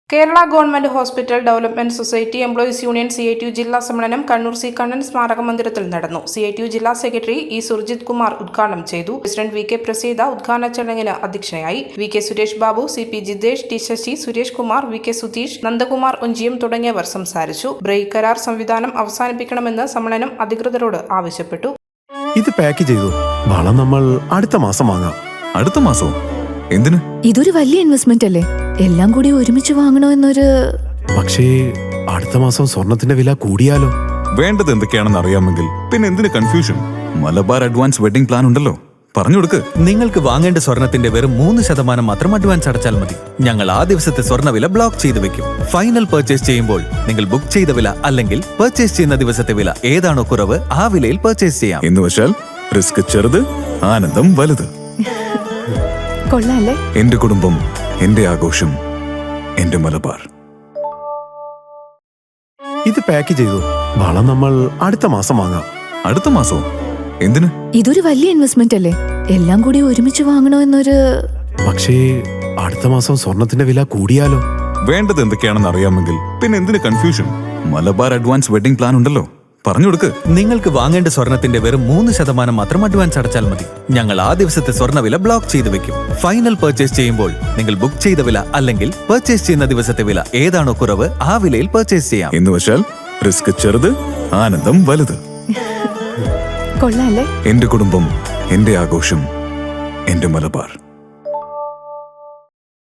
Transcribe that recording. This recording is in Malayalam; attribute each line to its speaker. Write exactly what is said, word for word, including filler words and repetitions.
Speaker 1: Kerala government hospital development society employees union C I T U ജില്ലാ സമ്മേളനം കണ്ണൂർ സി കണ്ണൻ സ്മാരക മന്ദിരത്തിൽ നടന്നു. സി ഐ ടി യു ജില്ലാ സെക്രട്ടറി ഇ സുർജിത് കുമാർ ഉദ്ഘാടനം ചെയ്തു. പ്രസിഡന്റ് വി കെ പ്രസീത ഉദ്ഘാടന ചടങ്ങിന് അധ്യക്ഷയായി. V K Suresh Babu, C P Jithesh, T Sasi, Suresh Kumar, V K Sudheesh, Nandakumar Onchiyam തുടങ്ങിയവർ സംസാരിച്ചു. ബ്രേക്ക് കരാർ സംവിധാനം അവസാനിപ്പിക്കണമെന്ന് സമ്മേളനം അധികൃതരോട് ആവശ്യപ്പെട്ടു.
Speaker 2: ഇത് പാക്ക് ചെയ്തു. വളം നമ്മൾ അടുത്ത മാസം വാങ്ങാം.
Speaker 3: അടുത്ത മാസവും എന്തിന്?
Speaker 4: ഇതൊരു വലിയ ഇൻവെസ്റ്റ്മെന്റ് അല്ലേ? എല്ലാം കൂടി ഒരുമിച്ച് വാങ്ങണോ എന്നൊരു.
Speaker 2: പക്ഷേ അടുത്ത മാസം സ്വർണത്തിന്റെ വില കൂടിയാലോ?
Speaker 3: വേണ്ടത് എന്തൊക്കെയാണെന്ന് അറിയാമെങ്കിൽ പിന്നെ എന്തിന് confusion? Malabar advance wedding plan ഉണ്ടല്ലോ, പറഞ്ഞു കൊടുക്ക്.
Speaker 5: നിങ്ങൾക്ക് വാങ്ങേണ്ട സ്വർണത്തിന്റെ വെറും മൂന്ന് ശതമാനം മാത്രം അഡ്വാൻസ് അടച്ചാൽ മതി. ഞങ്ങൾ ആ ദിവസത്തെ സ്വർണ്ണവില ബ്ലോക്ക് ചെയ്തു വെക്കും. ഫൈനൽ പർച്ചേസ് ചെയ്യുമ്പോൾ നിങ്ങൾ ബുക്ക് ചെയ്ത വില അല്ലെങ്കിൽ പർച്ചേസ് ചെയ്യുന്ന ദിവസത്തെ വില ഏതാണോ കുറവ് ആ വിലയിൽ പർച്ചേസ് ചെയ്യാം.
Speaker 3: എന്ന് വെച്ചാൽ റിസ്ക് ചെറുത്, ആനന്ദം വലുത്.
Speaker 4: കൊള്ളാല്ലേ?
Speaker 3: എന്റെ കുടുംബം, എന്റെ ആഘോഷം, എന്റെ മലബാർ.
Speaker 2: ഇത് പാക്ക് ചെയ്തു. വളം നമ്മൾ അടുത്ത മാസം വാങ്ങാം.
Speaker 3: അടുത്ത മാസവും എന്തിന്?
Speaker 4: ഇതൊരു വലിയ ഇൻവെസ്റ്റ്മെന്റ് അല്ലേ? എല്ലാം കൂടി ഒരുമിച്ച് വാങ്ങണോ എന്നൊരു.
Speaker 2: പക്ഷേ അടുത്ത മാസം സ്വർണത്തിന്റെ വില കൂടിയാലോ?
Speaker 3: വേണ്ടത് എന്തൊക്കെയാണെന്ന് അറിയാമെങ്കിൽ പിന്നെ എന്തിന് confusion? Malabar advance wedding plan ഉണ്ടല്ലോ, പറഞ്ഞു കൊടുക്ക്.
Speaker 5: നിങ്ങൾക്ക് വാങ്ങേണ്ട സ്വർണത്തിന്റെ വെറും മൂന്ന് ശതമാനം മാത്രം അഡ്വാൻസ് അടച്ചാൽ മതി. ഞങ്ങൾ ആ ദിവസത്തെ സ്വർണ്ണവില ബ്ലോക്ക് ചെയ്തു വെക്കും. ഫൈനൽ പർച്ചേസ് ചെയ്യുമ്പോൾ നിങ്ങൾ ബുക്ക് ചെയ്ത വില അല്ലെങ്കിൽ പർച്ചേസ് ചെയ്യുന്ന ദിവസത്തെ വില ഏതാണോ കുറവ് ആ വിലയിൽ പർച്ചേസ് ചെയ്യാം.
Speaker 3: എന്ന് വെച്ചാൽ റിസ്ക് ചെറുത്, ആനന്ദം വലുത്.
Speaker 4: കൊള്ളാല്ലേ?
Speaker 3: എന്റെ കുടുംബം, എന്റെ ആഘോഷം, എന്റെ മലബാർ.